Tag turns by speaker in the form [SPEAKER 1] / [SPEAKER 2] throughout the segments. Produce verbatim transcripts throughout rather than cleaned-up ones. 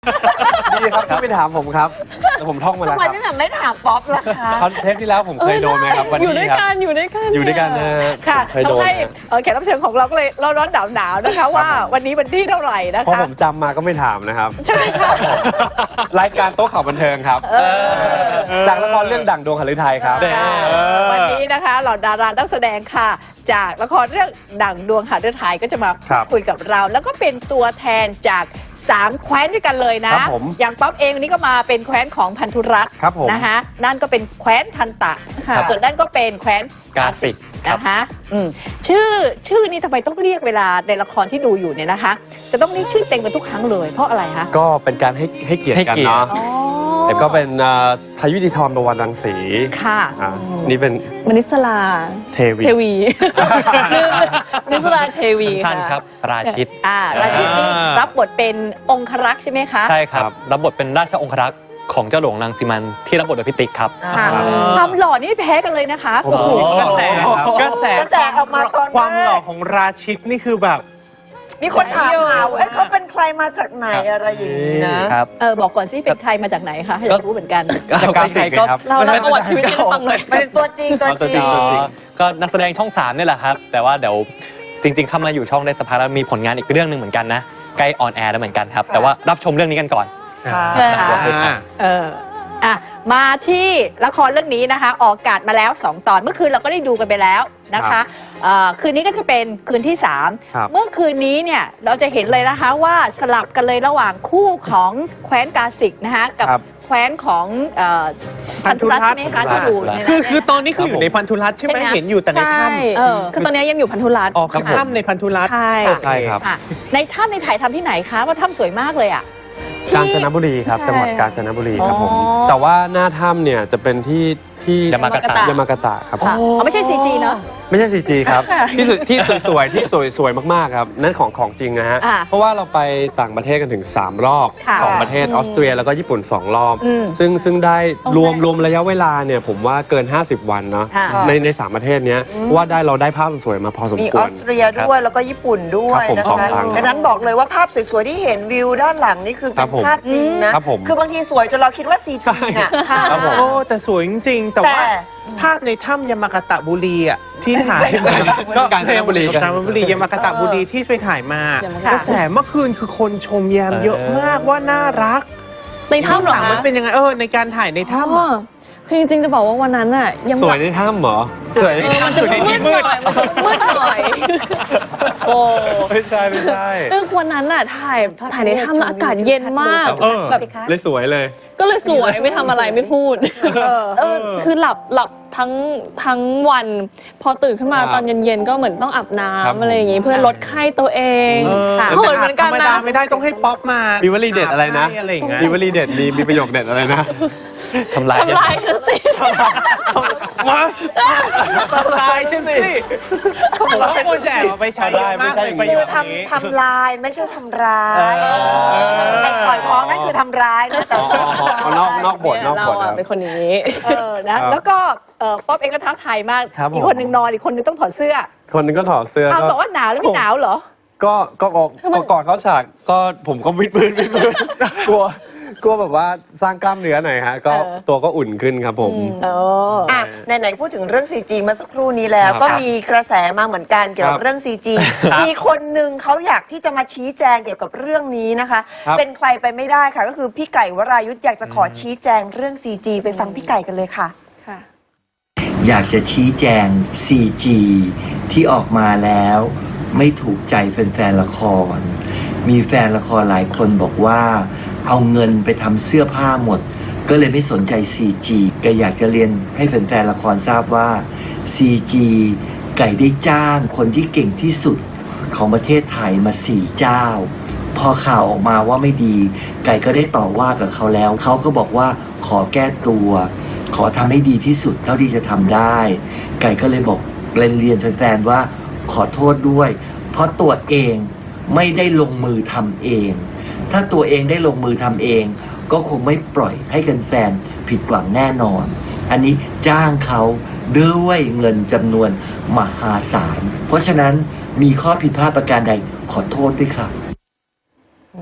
[SPEAKER 1] ดีครับที่ไม่ถามผมครับแต่ผมท่องมาแล้ว
[SPEAKER 2] ทำไม
[SPEAKER 1] ครับ
[SPEAKER 2] พี่แหม่มไม่ถามป๊อปล่ะคะ
[SPEAKER 1] คอนเทปที่แล้วผมเคยโดนไหมครับวัน
[SPEAKER 3] อยู่ด้ว
[SPEAKER 1] นี้
[SPEAKER 3] ย
[SPEAKER 1] ครับ
[SPEAKER 3] กันอยู่ด้วยกัน
[SPEAKER 1] อยู่ด้วยกันนะฮะ
[SPEAKER 2] ค่ะ
[SPEAKER 1] เคยโดน
[SPEAKER 2] ทำให้
[SPEAKER 1] นะ
[SPEAKER 2] เอ่อแขกรับเชิญของเราก็เลยร้อนร้อนหนาวหนาวๆนะคะว่าวันนี้วันที่เท่าไหร่นะ
[SPEAKER 1] เพราะ
[SPEAKER 2] คะ
[SPEAKER 1] ผมจำมาก็ไม่ถามนะครับ
[SPEAKER 2] ใช่ไหมคะ
[SPEAKER 1] รายการโต๊ะข่าวบันเทิงครับ
[SPEAKER 2] เออ
[SPEAKER 1] จากละครเรื่องดั่งดวงหฤทัยครับ
[SPEAKER 2] ค่ะวันนี้นะคะเหล่าดารานักแสดงค่ะ จากละครเรื่องดั่งดวงหฤทัยก็จะมา
[SPEAKER 1] ครับ
[SPEAKER 2] คุยกับเรา แล้วก็เป็นตัวแทนจากสามแคว้นด้วยกันเลยนะครับ
[SPEAKER 1] ผม
[SPEAKER 2] อย่างป๊อปเองวันนี้ก็มาเป็นแคว้นของพันธุรัตน์
[SPEAKER 1] ครับผม
[SPEAKER 2] นะคะนั่นก็เป็นแคว้นทันตะ
[SPEAKER 3] ค่ะ
[SPEAKER 2] ส่วนนั่นก็เป็นแคว้น
[SPEAKER 1] กาสิกครับ
[SPEAKER 2] นะคะอืมชื่อชื่อนี้ทำไมต้องเรียกเวลาในละครที่ดูอยู่เนี่ยนะคะ จะต้องเรียกชื่อเต็มกันทุกครั้งเลยเพราะอะไรคะ
[SPEAKER 1] ก็เป็นการให้ให้เกียรติกันเนาะ
[SPEAKER 2] อ๋อ
[SPEAKER 1] แต่ก็เป็นเอ่อพายุดิธรประวันรังสี
[SPEAKER 2] ค่ะ
[SPEAKER 1] อ่านี่เป็น
[SPEAKER 3] มนิสลา
[SPEAKER 1] เทวี
[SPEAKER 3] เทวีมนิสลาเทวี
[SPEAKER 4] สั้น
[SPEAKER 3] ค่ะ
[SPEAKER 4] ๆครับราชิต
[SPEAKER 2] อ่าราชินีรับบทเป็นองครักษ์ใช่ไหมคะ
[SPEAKER 4] ใช่ครับรับบทเป็นราชองครักษ์ของเจ้าหลวงนางสีมันที่รับบทโดยพิติกครับ
[SPEAKER 2] ค่ะความหล่อนี่ไม่แพ้กันเลยนะคะ
[SPEAKER 1] โอ้โห
[SPEAKER 5] กระแสกระแส
[SPEAKER 2] กระแสออกมาตอนแรก
[SPEAKER 5] ความหล่อของราชิตนี่คือแบบ
[SPEAKER 2] มีคนถามหาว่าเอ้ยเขาเป็นใครมาจากไหนอะไรอย่างนี้นะครับ เออบอกก่อนสิเป็นใครมาจากไหนคะอยากรู้เหมือนกัน
[SPEAKER 1] จากการสิกครับ
[SPEAKER 3] เราเราประวัติชีวิตให้ฟังหน่อย
[SPEAKER 2] เป็นตัวจริงตัว
[SPEAKER 1] เอาตัว
[SPEAKER 2] จ
[SPEAKER 1] จริ
[SPEAKER 2] ริ
[SPEAKER 1] ง
[SPEAKER 2] ง
[SPEAKER 1] ตัวจริง
[SPEAKER 4] ก็นักแสดงช่องสามนี่แหละครับ แต่ว่าเดี๋ยวจริงๆเข้ามาอยู่ช่องได้สักพักแล้วมีผลงานอีกเรื่องหนึ่งเหมือนกันนะใกล้ออนแอร์แล้วเหมือนกันครับ แต่ว่ารับชมเรื่องนี้กันก่อน
[SPEAKER 2] ค่ะ
[SPEAKER 5] อ่า
[SPEAKER 2] เอออ่ะมาที่ละครเรื่องนี้นะคะ ออกอากาศมาแล้วสองตอนเมื่อคืนเราก็ได้ดูกันไปแล้วนะคะเอ่อคืนนี้ก็จะเป็นคืนที่สาม
[SPEAKER 1] ครับ
[SPEAKER 2] เมื่อคืนนี้เนี่ยเราจะเห็นเลยนะคะว่าสลับกันเลยระหว่างคู่ของแคว้นกาสิกนะคะกับ
[SPEAKER 1] ครับ
[SPEAKER 2] แคว้นของเอ่อพันธุรัตน์ใช่ไหมคะที่อยู่ในนั้น
[SPEAKER 5] คือ
[SPEAKER 2] เนี่ย
[SPEAKER 5] คือตอนนี้คืออยู่ในพันธุรัตน์ใช่ไหม
[SPEAKER 2] ใช่ไหม
[SPEAKER 5] เห็นอยู่แต่ใน
[SPEAKER 3] ใช่
[SPEAKER 5] ถ้ำ
[SPEAKER 2] เออ
[SPEAKER 3] คือตอนนี้ยังอยู่พันธุรัตน์
[SPEAKER 5] ออกคือถ้ำในพันธุรัตน์
[SPEAKER 3] ใช่
[SPEAKER 5] โอเ
[SPEAKER 1] ใช่ครับ
[SPEAKER 2] ค่ะในถ้ำในถ่ายทำที่ไหนคะว่าถ้ำสวยมากเลยอ่ะ
[SPEAKER 3] ที่
[SPEAKER 1] กาญจนบุรีครับ
[SPEAKER 3] ใช่
[SPEAKER 1] จังหวัดกาญจนบุรีครับผม
[SPEAKER 2] อ๋อ
[SPEAKER 1] แต่ว่าหน้าถ้ำเนี่ยจะเป็นที่ที่
[SPEAKER 4] ยามากาตะ
[SPEAKER 1] ยามากาตะครับ
[SPEAKER 2] ค่ะอ๋อไม่ใช่ ซี จี เนอะ
[SPEAKER 1] ไม่ใช่ ซี จี ครับ
[SPEAKER 3] ค่ะ
[SPEAKER 1] ที่สวยที่สวยๆที่สวยสวยมากๆครับนั่นของของจริงนะฮะ
[SPEAKER 2] อ่า
[SPEAKER 1] เพราะว่าเราไปต่างประเทศกันถึงสามรอบ
[SPEAKER 2] ค่ะ
[SPEAKER 1] ของประเทศ
[SPEAKER 3] อืม
[SPEAKER 1] ออสเตรียแล้วก็ญี่ปุ่นสองรอบ
[SPEAKER 2] อืม
[SPEAKER 1] ซึ่งซึ่งได้
[SPEAKER 3] โอเค
[SPEAKER 1] รวมรวมระยะเวลาเนี่ยผมว่าเกิน ห้าสิบ วันเนาะ
[SPEAKER 2] ค่ะ
[SPEAKER 1] ในในสามประเทศเนี้ยเพราะว่าได้เราได้ภาพสวยๆมาพอสม
[SPEAKER 6] มี
[SPEAKER 1] ค
[SPEAKER 6] อ
[SPEAKER 1] ว
[SPEAKER 6] อ
[SPEAKER 1] ร
[SPEAKER 6] สเตรียด้วยแล้วก็ญี่ปุ่นด้วย
[SPEAKER 1] ครับผม
[SPEAKER 6] นะ
[SPEAKER 1] สอง
[SPEAKER 6] คะ
[SPEAKER 1] ครั้ง
[SPEAKER 6] ดังนั้นบอกเลยว่าภาพสวยๆที่เห็นวิวด้านหลังนี่คือ
[SPEAKER 1] ครั
[SPEAKER 6] เป็
[SPEAKER 1] บ
[SPEAKER 6] น
[SPEAKER 1] ผม
[SPEAKER 6] ภาพจริงนะครับ
[SPEAKER 1] ผม
[SPEAKER 6] คือบางทีสวยจนเราคิดว่าซีจีน่ะ
[SPEAKER 2] ค่ะ
[SPEAKER 1] ครับผม
[SPEAKER 5] โอ้แต่สวยจริงๆ แต่
[SPEAKER 6] แต่
[SPEAKER 5] ว่าภาพในถ้ำยามากาตะบุรีอ่ะที่ถ่าย
[SPEAKER 1] กาญจนบุรี
[SPEAKER 5] กาญจนบุรียามากาตะบุรีที่ไปถ่ายมา
[SPEAKER 3] ยามากาตะ
[SPEAKER 5] กระแสเมื่อคืนคือคนชมแยมเยอะมากว่าน่ารัก
[SPEAKER 3] ในถ้ำเหรอ
[SPEAKER 5] หลัง
[SPEAKER 3] คะ
[SPEAKER 5] มันเป็นยังไงเออในการถ่ายในถ้ำ
[SPEAKER 3] อ๋อ
[SPEAKER 5] อะ
[SPEAKER 3] คือจริงๆจะบอกว่าวันนั้นอ่ะยัง
[SPEAKER 1] สวยในถ้ำเหรอสวยใน
[SPEAKER 3] เออมันจะ
[SPEAKER 1] ถ้ำ
[SPEAKER 3] มืดหน่อยมันจะมืดหน่อยโอ้
[SPEAKER 1] ไม่ใช่ไม่ใช่
[SPEAKER 3] คือวันนั้นอ่ะถ่ายถ่ายในถ้ำแล้วอากาศเย็นมาก
[SPEAKER 5] เออ
[SPEAKER 3] แบบ
[SPEAKER 1] เลยสวยเลย
[SPEAKER 3] ก็เลยสวยไม่ทำอะไรไม่พูด
[SPEAKER 2] เออ
[SPEAKER 3] เออคือหลับหลับทั้งทั้งวัน พอตื่นขึ้นมา
[SPEAKER 1] ครับ
[SPEAKER 3] ตอนเย็นๆก็เหมือนต้องอาบน้
[SPEAKER 1] ครับผม
[SPEAKER 3] ำอะไรอย่างงี้เพื่อลดไข้ตัวเอง
[SPEAKER 5] เออ
[SPEAKER 3] ค่ะ
[SPEAKER 5] แต่
[SPEAKER 3] เขินเหมือนกัน
[SPEAKER 5] ธรรม
[SPEAKER 3] นะ
[SPEAKER 5] ดาไม่ได้ต้องให้ป๊อปมา
[SPEAKER 1] มีวลีเด็ดอะไรนะ
[SPEAKER 5] ให้อะไรอย่างเงี้ย
[SPEAKER 1] มีวลีเด็ดมีมีประโยคเด็ดอะไรนะ
[SPEAKER 4] ทำลาย
[SPEAKER 3] ทำลายฉันสิ
[SPEAKER 1] มา
[SPEAKER 5] ทำลายใช่ไหมผมว่าคนแจกเอาไปใช้เยอะมากในประโย
[SPEAKER 6] คือ
[SPEAKER 5] คนี้
[SPEAKER 6] ทำทำลายไม่ใช่ทำร้าย
[SPEAKER 1] เออ
[SPEAKER 6] ไอ้ต่อยท้องนั่นคือทำร้ายนะแต่
[SPEAKER 1] อ๋ออ๋ออ๋อนอกนอกบทนอก
[SPEAKER 3] เรา
[SPEAKER 1] บทค
[SPEAKER 3] อะ
[SPEAKER 1] รับ
[SPEAKER 3] เป็นคนอย่างนี้
[SPEAKER 2] เออนะครับ แล้วก็เอ่อป๊อปเองก็ท้าทายมาก
[SPEAKER 1] ครับผม
[SPEAKER 2] อีกคนหนึ่งนอนอีกคนหนึงต้องถอดเสื้อ
[SPEAKER 1] คนหนึงก็ถอดเสื้อ
[SPEAKER 2] อ้าว
[SPEAKER 1] ก็
[SPEAKER 2] บอกว่าหนาวแล้วไม่หนาวเหรอ
[SPEAKER 1] ก็ก็ออกก็ก่อนเขาฉากก็ผมก็วิดพื้นวิดพื้นกลัวกลัวแบบว่าสร้างกล้ามเนื้อหน่อยฮะ ก็
[SPEAKER 2] เออ
[SPEAKER 1] ตัวก็อุ่นขึ้นครับผม
[SPEAKER 3] อืม
[SPEAKER 2] เออ
[SPEAKER 6] อ่ะไหนๆพูดถึงเรื่อง ซี จี เมื่อสักครู่นี้แล้ว
[SPEAKER 1] ครับ
[SPEAKER 6] ก็มีกระแสมาเหมือนกันเกี่ยวกั
[SPEAKER 1] ครับ บ
[SPEAKER 6] เรื่อง ซี จี มีคนหนึ่งเขาอยากที่จะมาชี้แจงเกี่ยวกับเรื่องนี้นะคะ
[SPEAKER 1] ครับ
[SPEAKER 6] เป็นใครไปไม่ได้ค่ะ ก็คือพี่ไก่วรายุทธอยากจะขอชี้แจงเรื่อง ซี จี ไปฟังพี่ไก่กันเลยค่ะ
[SPEAKER 3] ค่ะ
[SPEAKER 7] อยากจะชี้แจง ซี จี ที่ออกมาแล้วไม่ถูกใจแฟนๆละคร มีแฟนละครหลายคนบอกว่าเอาเงินไปทำเสื้อผ้าหมด ก็เลยไม่สนใจ ซี จี ก็อยากจะเรียนให้แฟนๆละครทราบว่า ซี จี ไก่ได้จ้างคนที่เก่งที่สุดของประเทศไทยมาสี่เจ้า พอข่าวออกมาว่าไม่ดี ไก่ก็ได้ต่อว่ากับเขาแล้ว เขาก็บอกว่าขอแก้ตัว ขอทำให้ดีที่สุดเท่าที่จะทำได้ ไก่ก็เลยบอกเรียนเรียนแฟนๆว่าขอโทษด้วย เพราะตัวเองไม่ได้ลงมือทำเอง ถ้าตัวเองได้ลงมือทำเอง ก็คงไม่ปล่อยให้แฟนๆผิดหวังแน่นอน อันนี้จ้างเขาด้วยเงินจำนวนมหาศาล เพราะฉะนั้นมีข้อผิดพลาดประการใดขอโทษด้วยครับ
[SPEAKER 6] นี่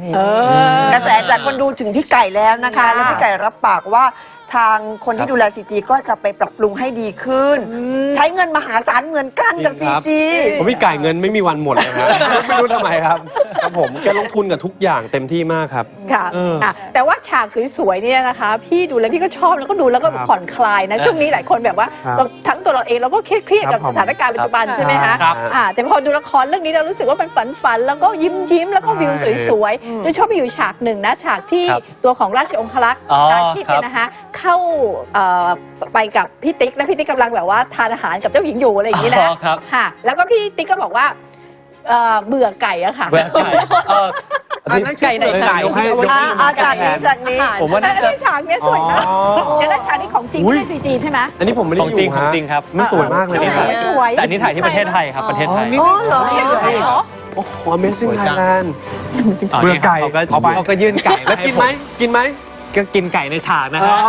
[SPEAKER 2] เออก
[SPEAKER 6] ระแสจากคนดูถึงพี่ไก่แล้วนะคะ
[SPEAKER 2] ค่ะ
[SPEAKER 6] แล้วพี่ไก่รับปากว่าทางคนที่ดูแล ซี จี ก็จะไปปรับปรุงให้ดีขึ้น ใช้เงินมหาศาลเหมือนกันกับ
[SPEAKER 1] จริ
[SPEAKER 6] ซี
[SPEAKER 1] งครับ
[SPEAKER 6] จี
[SPEAKER 1] ผมพี่ไก่เงินไม่มีวันหมดเลยครับ ไม่รู้ทำไมครับครับผมแกลงทุนกับทุกอย่างเต็มที่มากครับ
[SPEAKER 2] ค่ะ
[SPEAKER 1] เอออ่
[SPEAKER 2] ะแต่ว่าฉากสวยๆเนี่ยนะคะ พี่ดูแล้วพี่ก็ชอบแล้วก็ดูแล้วก็
[SPEAKER 1] ครับ
[SPEAKER 2] ผ่อนคลายนะ ช่วงนี้หลายคนแบบว่า
[SPEAKER 1] ครับ
[SPEAKER 2] เราทั้งตัวเราเองเราก็เครียดๆกับ
[SPEAKER 1] ครับ
[SPEAKER 2] สถานการณ์ปัจจุบัน
[SPEAKER 3] ครับ
[SPEAKER 2] ใช่ไหมคะ
[SPEAKER 1] ครับ
[SPEAKER 2] อ่าแต่พอดูละครเรื่องนี้เรารู้สึกว่ามันฝันๆแล้วก็ยิ้มยิ้มๆแล้วก็วิวสวยๆโดยชอบไปอยู่ฉากหนึ่งนะฉากที่
[SPEAKER 4] ครับ
[SPEAKER 2] ตัวของราชองครักษ์
[SPEAKER 4] อ๋อ
[SPEAKER 2] ราชิตเนี่ยนะคะเข้าเอ่อไปกับพี่ติ๊กและพี่ติ๊กกำลังแบบว่าทานอาหารกับเจ้าหญิงอยู่อะไรอย่างนี้นะ
[SPEAKER 4] อ๋อครับ
[SPEAKER 2] ค่ะ แล้วก็พี่ติ๊กก็บอกว่าเอ่อเบื่อไก่อะค่ะ
[SPEAKER 4] แหวกไก่เออ
[SPEAKER 5] อันนั้นคือ
[SPEAKER 3] ไก่ไหน
[SPEAKER 5] ไก่
[SPEAKER 1] ยกให้ยก
[SPEAKER 6] อ่า
[SPEAKER 1] ให้
[SPEAKER 6] อ่าฉากนี้ฉากนี้
[SPEAKER 4] ผมว่า
[SPEAKER 2] แต่
[SPEAKER 4] น่า
[SPEAKER 2] ใน
[SPEAKER 4] จะ
[SPEAKER 2] ฉากเนี้ยสวยมาก
[SPEAKER 1] อ๋อ
[SPEAKER 2] เดี๋ยวนะฉากนี้ของจริง
[SPEAKER 1] อุ๊
[SPEAKER 2] ไม่
[SPEAKER 1] ย
[SPEAKER 2] ใช่ซีจีใช่ไหม
[SPEAKER 1] อันนี้ผมไม่ได้
[SPEAKER 4] ของ
[SPEAKER 1] อยู่
[SPEAKER 4] จริงของ
[SPEAKER 1] ฮะ
[SPEAKER 4] จริงครับ
[SPEAKER 1] มันสวยมากเลย
[SPEAKER 2] ส
[SPEAKER 1] นะค
[SPEAKER 2] ว
[SPEAKER 1] รับ
[SPEAKER 2] ยสวย
[SPEAKER 4] แต่อันนี้ถ่ายที่ประเทศไทยครับประเทศไทย
[SPEAKER 6] อ๋อเหรอ
[SPEAKER 2] เห็นด้วยเหรอ
[SPEAKER 1] โอ้โห Amazing
[SPEAKER 5] สวยจัง
[SPEAKER 1] Thailand
[SPEAKER 4] อ๋อ
[SPEAKER 1] เบื่อไก่
[SPEAKER 4] เขาก็
[SPEAKER 1] เอาไป
[SPEAKER 4] เขาก็ยื่นไก่
[SPEAKER 1] แล้วกินไหมกินไหม
[SPEAKER 4] ก็กินไก่ในฉากนะฮะ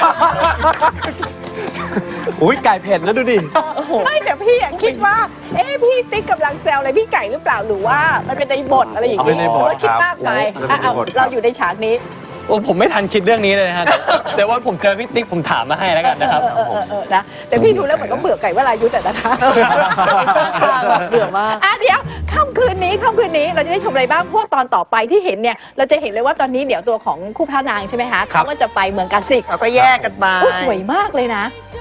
[SPEAKER 1] อุ้ยไก่เผ็ดนะดูดิ
[SPEAKER 2] ไม่แต่พี่อะคิดว่า เอ๊ะพี่ติ๊กกำลังแซวอะไรพี่ไก่หรือเปล่าหรือว่ามันเป็นในบทอะไรอย่าง
[SPEAKER 1] เอาเป็นในบท
[SPEAKER 2] หรือว่าคิดมากไป
[SPEAKER 1] ครับ
[SPEAKER 2] อ่ะเอา
[SPEAKER 1] เป็นในบทครับ
[SPEAKER 2] เราอยู่ในฉากนี้
[SPEAKER 4] โอ้ผมไม่ทันคิดเรื่องนี้เลยนะฮะแต่แต่ว่าผมเจอพี่ติ๊กผมถามมาให้แล้วกันนะครับ
[SPEAKER 2] เออเออเออนะแต่พี่ดูแล้วเหมือนก็เบื่อไก่วรายุทธ์อะนะคะ
[SPEAKER 3] เบื่อมาก
[SPEAKER 2] อ่ะเดี๋ยวค่ำคืนนี้ค่ำคืนนี้เราจะได้ชมอะไรบ้างเพราะวกตอนต่อไปที่เห็นเนี่ยเราจะเห็นเลยว่าตอนนี้เดี๋ยวตัวของคู่พระนางใช่ไหมคะเขาก็จะไปเมืองกาซิก
[SPEAKER 6] เขาก็แยกกันมา
[SPEAKER 2] โอ้สวยมากเลยนะ